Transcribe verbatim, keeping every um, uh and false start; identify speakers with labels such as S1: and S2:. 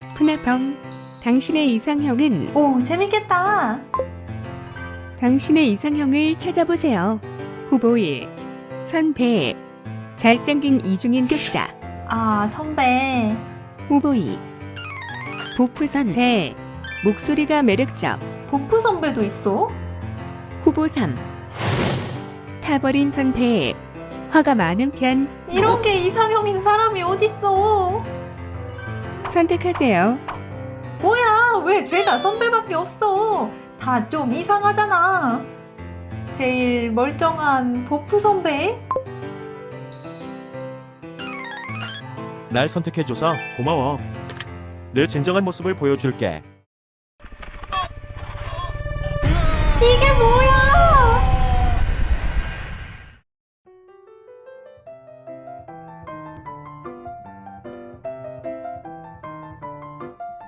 S1: 푸나펑. 당신의 이상형은
S2: 오, 재밌겠다.
S1: 당신의 이상형을 찾아보세요. 후보 일. 선배. 잘생긴 이중인 격자.
S2: 아, 선배.
S1: 후보 이. 보프 선배. 목소리가 매력적.
S2: 보프 선배도 있어?
S1: 후보 삼. 타버린 선배. 화가 많은 편.
S2: 이런 게 이상형인 사람이 어딨어?
S1: 선택하세요.
S2: 뭐야, 왜 죄다 선배밖에 없어? 다 좀 이상하잖아. 제일 멀쩡한 보프 선배?
S3: 날 선택해줘서 고마워. 내 진정한 모습을 보여줄게.
S2: 이게 뭐야?